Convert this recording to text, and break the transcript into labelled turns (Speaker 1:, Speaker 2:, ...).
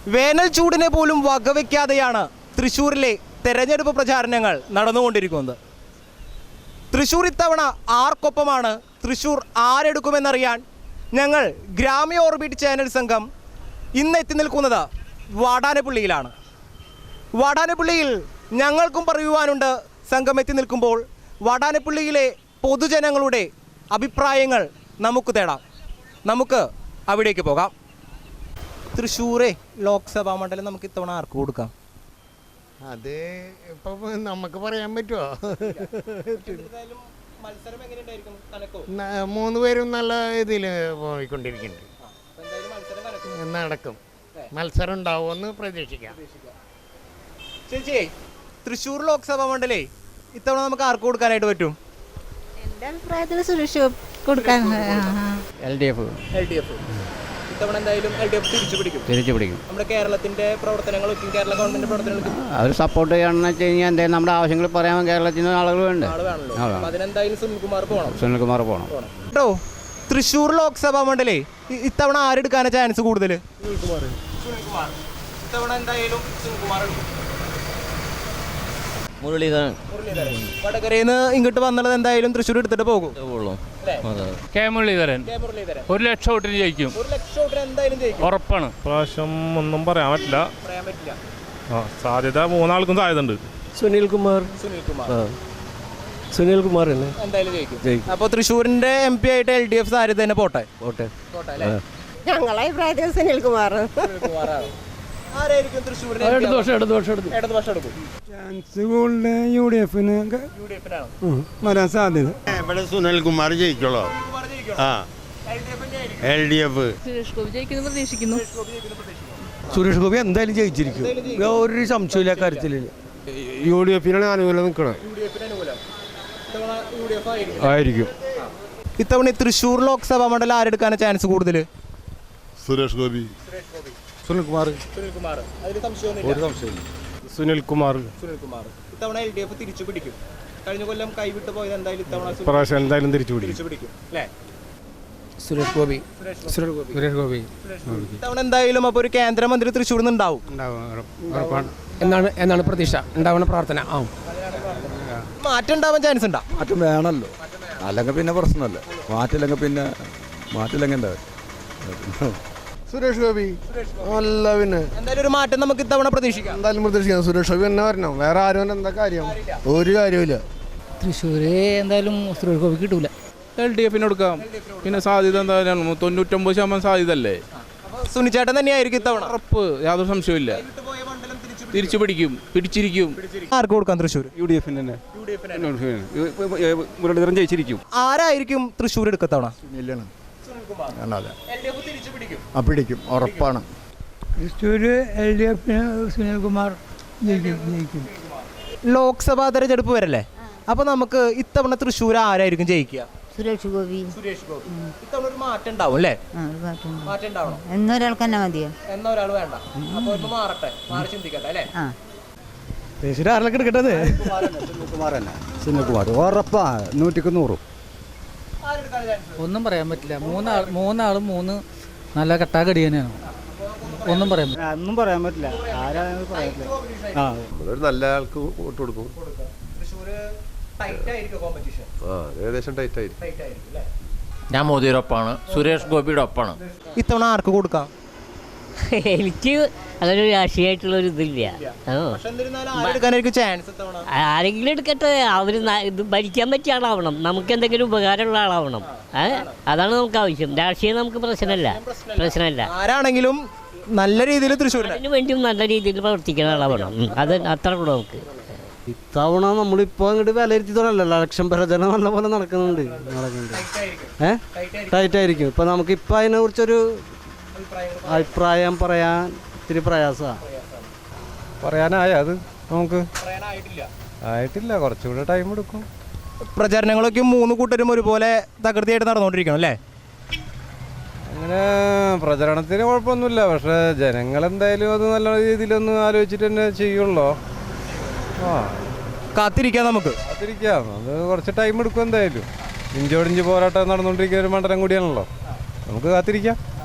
Speaker 1: വേനൽ ചൂടിനെ പോലും വകവയ്ക്കാതെയാണ് തൃശ്ശൂരിലെ തെരഞ്ഞെടുപ്പ് പ്രചാരണങ്ങൾ നടന്നുകൊണ്ടിരിക്കുന്നത്. തൃശ്ശൂർ ഇത്തവണ ആർക്കൊപ്പമാണ്, തൃശ്ശൂർ ആരെടുക്കുമെന്നറിയാൻ ഞങ്ങൾ ഗ്രാമീയ ഓർബിറ്റ് ചാനൽ സംഘം ഇന്ന് എത്തി നിൽക്കുന്നത് വാടാനപ്പള്ളിയിലാണ്. വാടാനപ്പള്ളിയിൽ ഞങ്ങൾക്കും പറയുവാനുണ്ട്. സംഘം എത്തി നിൽക്കുമ്പോൾ വാടാനപ്പള്ളിയിലെ പൊതുജനങ്ങളുടെ അഭിപ്രായങ്ങൾ നമുക്ക് തേടാം. നമുക്ക് അവിടേക്ക് പോകാം. തൃശ്ശൂരെ ലോക്സഭാ മണ്ഡലം നമുക്ക് ഇത്തവണ ആർക്ക് കൊടുക്കാം?
Speaker 2: അത് ഇപ്പം നമുക്ക് പറയാൻ പറ്റുമോ? മൂന്ന് പേരും നല്ല ഇതിൽ പോയിക്കൊണ്ടിരിക്കുന്നുണ്ട്. നടക്കും, മത്സരം ഉണ്ടാവുമെന്ന് പ്രതീക്ഷിക്കാം.
Speaker 1: ചേച്ചി, തൃശ്ശൂർ ലോക്സഭാ മണ്ഡലേ ഇത്തവണ നമുക്ക് ആർക്ക് കൊടുക്കാനായിട്ട് പറ്റും?
Speaker 3: എൻ്റെ അഭിപ്രായത്തിൽ സുരേഷ് കൊടുക്കാൻ
Speaker 4: LDF
Speaker 1: ഇത്തവണ എന്തായാലും LDF തിരിച്ചു പിടിക്കും. നമ്മുടെ കേരളത്തിന്റെ പ്രവർത്തനങ്ങളൊക്കെ, കേരള ഗവൺമെന്റ് പ്രവർത്തനങ്ങൾക്ക്
Speaker 4: അവർ സപ്പോർട്ട് ചെയ്യണമെന്ന് വെച്ച് കഴിഞ്ഞാൽ എന്തായാലും നമ്മുടെ ആവശ്യങ്ങൾ പറയാൻ കേരളത്തിൽ നിന്ന് ആളുകളുണ്ട്.
Speaker 1: അതിനെന്തായാലും
Speaker 4: സുനിൽകുമാർ പോകണം
Speaker 1: കേട്ടോ. തൃശ്ശൂർ ലോക്സഭാ മണ്ഡലേ ഇത്തവണ ആരെടുക്കാനാണ് ചാൻസ് കൂടുതൽ? ഇത്തവണ എന്തായാലും
Speaker 5: മുരളീധരൻ.
Speaker 1: വടകരയിൽ നിന്ന് ഇങ്ങോട്ട് വന്നത് എന്തായാലും തൃശ്ശൂർ എടുത്തിട്ട് പോകും.
Speaker 6: കെ മുരളീധരൻ 1 ലക്ഷം വോട്ടിന് ജയിക്കും, ഉറപ്പാണ്.
Speaker 7: പ്രാവശ്യം ഒന്നും പറയാൻ പറ്റില്ല. സാധ്യത മൂന്നാൾക്കും സാധ്യത ഉണ്ട്.
Speaker 5: സുനിൽകുമാർ
Speaker 1: എന്തായാലും ജയിക്കും. അപ്പോൾ തൃശ്ശൂരിന്റെ MP ആയിട്ട് LDF സാധ്യത തന്നെ പോട്ടെ.
Speaker 3: ഞങ്ങളെ അഭിപ്രായത്തിൽ സുനിൽകുമാർ.
Speaker 1: ആരായിരിക്കും തൃശ്ശൂരിന്
Speaker 8: ചാൻസ് കൂടുതൽ UDF വരാൻ സാധ്യത.
Speaker 2: ഇവിടെ സുനിൽകുമാർ ജയിക്കുള്ളൂ. LDF
Speaker 5: സുരേഷ് ഗോപി എന്തായാലും ജയിച്ചിരിക്കും, ഒരു സംശയമില്ല കാര്യത്തിൽ.
Speaker 8: UDF അനുകൂലം നിൽക്കണം ആയിരിക്കും.
Speaker 1: ഇത്തവണ തൃശ്ശൂർ ലോക്സഭാ മണ്ഡലം ആരെടുക്കാനാണ് ചാൻസ് കൂടുതൽ?
Speaker 9: സുരേഷ് ഗോപി,
Speaker 8: സുനിൽകുമാർ.
Speaker 1: ഇത്തവണ LDF തിരിച്ചു പിടിക്കും. കഴിഞ്ഞ കൊല്ലം കൈവിട്ട് പോയത് എന്തായാലും
Speaker 8: പ്രാവശ്യം എന്തായാലും തിരിച്ചു
Speaker 1: പിടിക്കും അല്ലേ?
Speaker 5: സുരേഷ് ഗോപി
Speaker 1: ഇത്തവണ എന്തായാലും അപ്പോൾ ഒരു കേന്ദ്രമന്ത്രി തൃശ്ശൂരിൽ നിന്ന് ഉണ്ടാവും
Speaker 5: എന്നാണ് പ്രതീക്ഷ, ഉണ്ടാവുന്ന പ്രാർത്ഥന.
Speaker 1: മാറ്റം ഉണ്ടാവാൻ ചാൻസ് ഉണ്ടാ?
Speaker 10: മാറ്റം വേണമല്ലോ, അല്ലെങ്കിൽ പിന്നെ പ്രശ്നമല്ല. മാറ്റില്ലെങ്കിൽ
Speaker 8: സുരേഷ് ഗോപി അല്ല, പിന്നെ
Speaker 1: എന്തായാലും ഒരു മാറ്റം നമുക്ക് ഇത്തവണ പ്രതീക്ഷിക്കാം.
Speaker 8: എന്തായാലും പ്രതീക്ഷിക്കാം. സുരേഷ് ഗോപി തന്നെ വരണം, വേറെ ആരും എന്താ കാര്യം? ഒരു കാര്യമില്ല.
Speaker 5: തൃശ്ശൂര് എന്തായാലും സുരേഷ് ഗോപി കിട്ടൂല.
Speaker 7: LDF കൊടുക്കാം. പിന്നെ സാധ്യത എന്തായാലും 99% സാധ്യത അല്ലേ?
Speaker 1: സുനിച്ചേട്ടൻ തന്നെയായിരിക്കും ഇത്തവണ
Speaker 7: ഉറപ്പ്, യാതൊരു സംശയമില്ല. തിരിച്ചു പിടിച്ചിരിക്കും.
Speaker 1: ആർക്ക് കൊടുക്കാം തൃശ്ശൂർ?
Speaker 7: UDF മുരളീധരൻ ജയിച്ചിരിക്കും.
Speaker 1: ആരായിരിക്കും തൃശ്ശൂർ എടുക്കത്തവണ?
Speaker 10: പിടിക്കും, ഉറപ്പാണ്.
Speaker 8: തൃശ്ശൂര് LDF സുനിൽകുമാർ ജയിക്കും.
Speaker 1: ലോക്സഭാ തെരഞ്ഞെടുപ്പ് വരല്ലേ, അപ്പൊ നമുക്ക് ഇത്തവണ തൃശ്ശൂർ ആരായിരിക്കും ജയിക്കുക?
Speaker 3: സുരേഷ് ഗോപി.
Speaker 1: ഇത്തവണ ഒരു മാറ്റം ഉണ്ടാവും അല്ലേ? മാറ്റം ഉണ്ടാവണം.
Speaker 3: എന്നൊരാൾക്ക് തന്നെ മതിയോ?
Speaker 1: എന്നൊരാൾ വേണ്ട. അപ്പൊ ഒന്ന് മാറട്ടെ, മാറി ചിന്തിക്കട്ടെ അല്ലേ?
Speaker 8: തൃശ്ശൂർ ആരിലൊക്കെ എടുക്കട്ടത്?
Speaker 10: സുനിൽകുമാർ ഉറപ്പാ, 100%.
Speaker 5: ഒന്നും പറയാൻ പറ്റില്ല. മൂന്നാളും മൂന്ന് നല്ല കട്ടാകടി തന്നെയാണ്. ഒന്നും പറയാൻ പറ്റില്ല.
Speaker 9: ഒരു നല്ല ആൾക്ക് വോട്ട് കൊടുക്കും. ഏകദേശം ടൈറ്റ് ആയിരിക്കും.
Speaker 5: ഞാൻ മോദിയുടെ ഒപ്പാണ്, സുരേഷ് ഗോപിയുടെ ഒപ്പാണ്.
Speaker 1: ഇത്തവണ ആർക്ക് കൊടുക്കാം?
Speaker 11: എനിക്ക് അങ്ങനെ രാഷ്ട്രീയമായിട്ടുള്ളൊരു ഇതില്ല. ആരെങ്കിലും എടുക്കട്ടെ, അവർ ഇത് ഭരിക്കാൻ പറ്റിയ ആളാവണം, നമുക്ക് എന്തെങ്കിലും ഉപകാരമുള്ള ആളാവണം. അതാണ് നമുക്ക് ആവശ്യം. രാഷ്ട്രീയം നമുക്ക് പ്രശ്നമല്ല.
Speaker 1: ആരാണെങ്കിലും നല്ല രീതിയിൽ തൃശ്ശൂരിന്
Speaker 11: വേണ്ടിയും നല്ല രീതിയിൽ പ്രവർത്തിക്കുന്ന ആളാവണം. അത് അത്ര കൂടെ നമുക്ക്.
Speaker 5: ഇത്തവണ നമ്മളിപ്പോൾ അങ്ങോട്ട് വിലയിരുത്തി തുടങ്ങല്ലോ, ഇലക്ഷൻ പ്രചരണം നല്ല പോലെ നടക്കുന്നുണ്ട്. ടൈറ്റ് ആയിരിക്കും. ഇപ്പം നമുക്കിപ്പോൾ അതിനെക്കുറിച്ചൊരു അഭിപ്രായം പറയാൻ ഇത്തിരി പ്രയാസമാണ്.
Speaker 8: പറയാനായത് നമുക്ക് ആയിട്ടില്ല, കുറച്ചുകൂടെ ടൈം എടുക്കും.
Speaker 1: പ്രചാരണങ്ങളൊക്കെ 3 കൂട്ടരും ഒരുപോലെ തകൃതിയായിട്ട് നടന്നുകൊണ്ടിരിക്കണം അല്ലേ?
Speaker 8: അങ്ങനെ പ്രചരണത്തിന് കുഴപ്പമൊന്നുമില്ല, പക്ഷേ ജനങ്ങളെന്തായാലും അത് നല്ല രീതിയിലൊന്ന് ആലോചിച്ചിട്ട് തന്നെ ചെയ്യുള്ളൂ.
Speaker 1: കാത്തിരിക്കാം, നമുക്ക്
Speaker 8: കാത്തിരിക്കാം. അത് കുറച്ച് ടൈം എടുക്കും എന്തായാലും. ഇഞ്ചോടിഞ്ച് പോരാട്ടം നടന്നുകൊണ്ടിരിക്കുന്ന ഒരു മണ്ഡലം കൂടിയാണല്ലോ, നമുക്ക് കാത്തിരിക്കാം.